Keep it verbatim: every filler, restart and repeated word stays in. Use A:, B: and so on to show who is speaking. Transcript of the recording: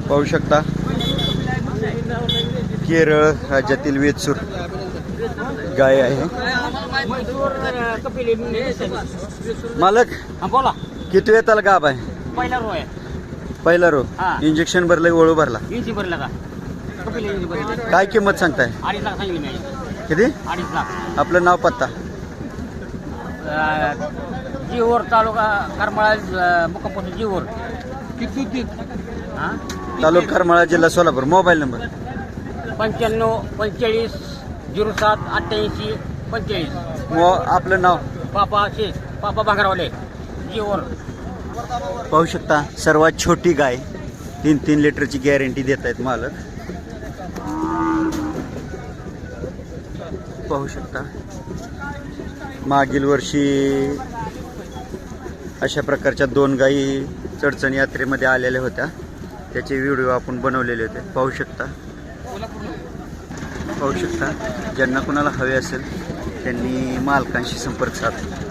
A: पाहू शकता केरळ राज्यातील वेचूर गाय आहे। मालक
B: बोला
A: किती वेताला गाभ आहे?
B: पहिला रो आहे
A: पहिला रो
B: हा।
A: इंजेक्शन भरलं वळू भरला
B: इंची भरला का कपिल इंची भरला
A: काय किंमत सांगताय?
B: अडीच लाख सांगितली मी
A: किती?
B: अडीच लाख
A: आपलं नाव पत्ता?
B: जीवर तालुका करमाळा मुक्कामपूर जीवर किती हां
A: तालुका करमाळा जिल्हा सोलापूर। Mobile number?
B: पंच्याण्णव पंचेचाळीस झिरो सात अठ्ठ्याऐंशी पंचेचाळीस।
A: मो आपलं नाव?
B: पापा शेख पापा भांगरावले जीवर।
A: पाहू शकता सर्वात छोटी गाय तीन तीन लिटरची गॅरंटी देत आहेत मालक। पाहू शकता मागील वर्षी अशा प्रकारच्या दोन गायी चडचण यात्रेमध्ये आलेल्या होत्या, त्याचे व्हिडिओ आपण बनवलेले होते। पाहू शकता पाहू शकता ज्यांना कोणाला हवे असेल त्यांनी मालकांशी संपर्क साधा।